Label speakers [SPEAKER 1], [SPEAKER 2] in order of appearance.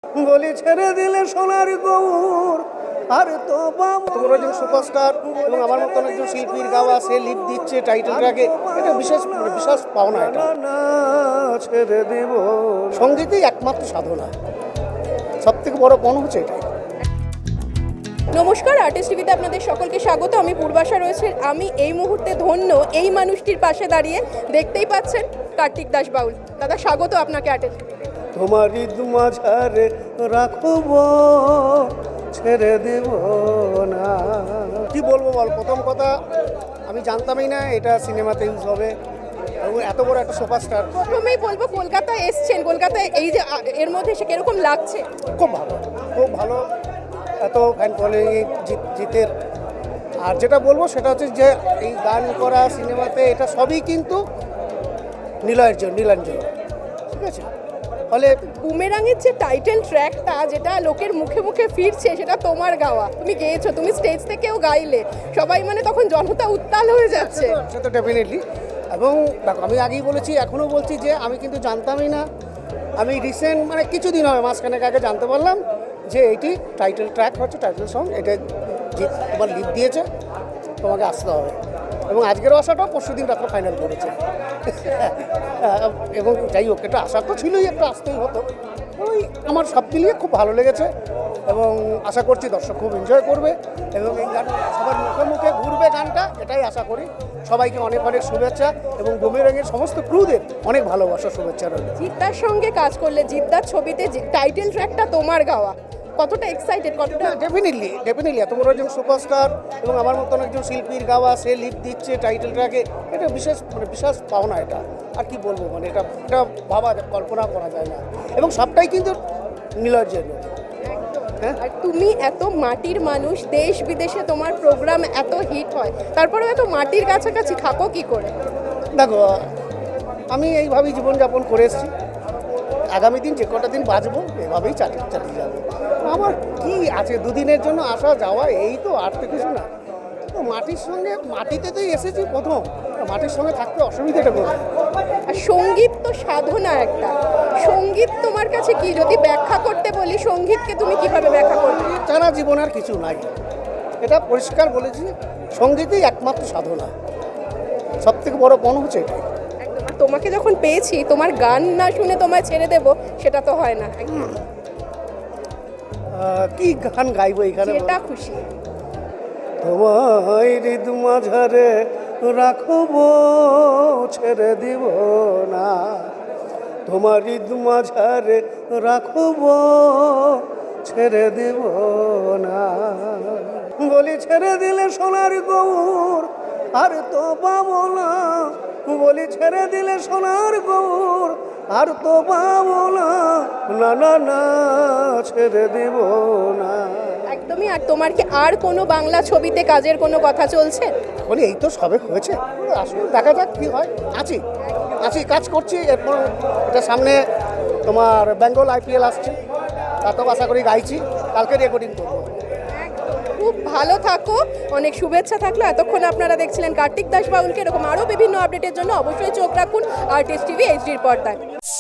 [SPEAKER 1] বলি ছেড়ে দিলে সোনার গৌর আর তো তোমার একজন সুপারস্টার এবং আমার মতন একজন শিল্পীর গাওয়া সে লিপ দিচ্ছে টাইটেল ট্র্যাকে, এটা বিশেষ বিশেষ পাওনা। এটা ছেড়ে দিব, সঙ্গীতই একমাত্র সাধনা, সব থেকে বড় পণ হচ্ছে এটাই।
[SPEAKER 2] নমস্কার, আর্টিস্ট টিভিতে আপনাদের সকলকে স্বাগত। আমি পূর্বাশা রয়েছে। আমি এই মুহূর্তে ধন্য এই মানুষটির পাশে দাঁড়িয়ে, দেখতেই পাচ্ছেন কার্তিক দাস বাউল। দাদা, স্বাগত আপনাকে আর্টিস্ট টিভিতে।
[SPEAKER 1] তোমারই মাঝারে রাখব, ছেড়ে দেব না। কি বলবো বল, প্রথম কথা আমি জানতামই না এটা সিনেমাতে ইউজ হবে এবং এত বড় একটা সুপারস্টার।
[SPEAKER 2] প্রথমেই বলবো, কলকাতায় এসছেন, কলকাতায় এই যে এর মধ্যে এসে কিরকম লাগছে?
[SPEAKER 1] খুব ভালো, খুব ভালো, এত ফ্যান ফলোয়িং জিতের। আর যেটা বলবো সেটা হচ্ছে যে এই গান করা সিনেমাতে এটা সবই কিন্তু নীলয়ের জন্য, নীলাঞ্জন, ঠিক আছে। ফলে
[SPEAKER 2] বুমেরাঙের যে টাইটেল ট্র্যাকটা, যেটা লোকের মুখে মুখে ফিরছে, সেটা তোমার গাওয়া, তুমি গেয়েছো, তুমি স্টেজ থেকেও গাইলে, সবাই মানে তখন জনতা উত্তাল হয়ে যাচ্ছে।
[SPEAKER 1] সে তো ডেফিনেটলি। এবং দেখো, আমি আগেই বলেছি, এখনও বলছি যে আমি কিন্তু জানতামই না। আমি রিসেন্ট মানে কিছুদিন হবে, মাসখানেক আগে জানতে পারলাম যে এটি টাইটেল ট্র্যাক হচ্ছে, টাইটেল সং, এটা তোমার লিপ দিয়েছে, তোমাকে আসতে হবে। এবং আজকের আসাটাও পরশু দিন রাত্রে ফাইনাল করেছে। এবং যাই হোক, এটা আশা তো ছিলই, একটা আসতেই হতো। ওই আমার সব মিলিয়ে খুব ভালো লেগেছে এবং আশা করছি দর্শক খুব এনজয় করবে এবং এই গান সবার মুখে মুখে ঘুরবে গানটা, এটাই আশা করি। সবাইকে অনেক অনেক শুভেচ্ছা এবং বুমেরাঙের সমস্ত ক্রুদের অনেক ভালোবাসা, শুভেচ্ছা রইল।
[SPEAKER 2] জিদ্দার সঙ্গে কাজ করলে, জিদ্দার ছবিতে টাইটেল ট্র্যাকটা তোমার গাওয়া, কতটা এক্সাইটেড, কতটা?
[SPEAKER 1] ডেফিনেটলি এত বড় একজন সুপারস্টার এবং আমার মতন একজন শিল্পীর গাওয়া সে লিপ দিচ্ছে টাইটেল ট্র্যাকে, এটা বিশেষ বিশেষ পাওনা। এটা আর কি বলবো, মানে এটা ভাবা কল্পনা করা যায় না এবং সবটাই কিন্তু নীলয়ের জন্য। হ্যাঁ,
[SPEAKER 2] আর তুমি এত মাটির মানুষ, দেশ বিদেশে তোমার প্রোগ্রাম এত হিট হয়, তারপরে এত মাটির কাছাকাছি থাকো কি করে?
[SPEAKER 1] দেখো, আমি এইভাবেই জীবনযাপন করে এসেছি। আগামী দিন যে কটা দিন বাঁচবো এভাবেই চালিয়ে যাবো। আমার কি আছে, দুদিনের জন্য আসা যাওয়া, এই তো, আর তো কিছু না। তো মাটির সঙ্গে, মাটিতে তো এসেছি প্রথম, মাটির সঙ্গে থাকতে অসুবিধাটা করবে।
[SPEAKER 2] আর সঙ্গীত তো সাধনা একটা। সঙ্গীত তোমার কাছে কি, যদি ব্যাখ্যা করতে বলি, সঙ্গীতকে তুমি কিভাবে ব্যাখ্যা করবে?
[SPEAKER 1] ছাড়া জীবন আর কিছু নাই, এটা পরিষ্কার বলেছি। সঙ্গীতই একমাত্র সাধনা, সব থেকে বড় পণ হচ্ছে এটাই।
[SPEAKER 2] একদম। আর তোমাকে যখন পেয়েছি, তোমার গান না শুনে তোমায় ছেড়ে দেবো, সেটা তো হয় না।
[SPEAKER 1] কি গান গাইবো এখানে?
[SPEAKER 2] এটা খুশি।
[SPEAKER 1] তোমায় হৃদ মাঝারে রাখব, ছেড়ে দিব না। তোমার হৃদ মাঝারে রাখব, ছেড়ে দিব না। বলি ছেড়ে দিলে সোনার গৌর আর তো পাবো না। বলি ছেড়ে দিলে সোনার গৌর আর তো পাবো না। না না না, ছেড়ে দিব না।
[SPEAKER 2] একদমই। আর তোমার কি আর কোনো বাংলা ছবিতে কাজের কোনো কথা চলছে?
[SPEAKER 1] এখন এই তো সবে হয়েছে, আসলে দেখা যাক কি হয়। আছি কাজ করছি। এরপর এটা সামনে তোমার বেঙ্গল IPL আসছে, তাতেও আশা করি গাইছি, কালকে রেকর্ডিং করবো।
[SPEAKER 2] খুব ভালো থাকো, অনেক শুভেচ্ছা থাকলো। এতক্ষণ আপনারা দেখছিলেন কার্তিক দাস বাউলকে। এরকম আরও বিভিন্ন আপডেটের জন্য অবশ্যই চোখ রাখুন আর্টিস্ট টিভি HD পর্দায়।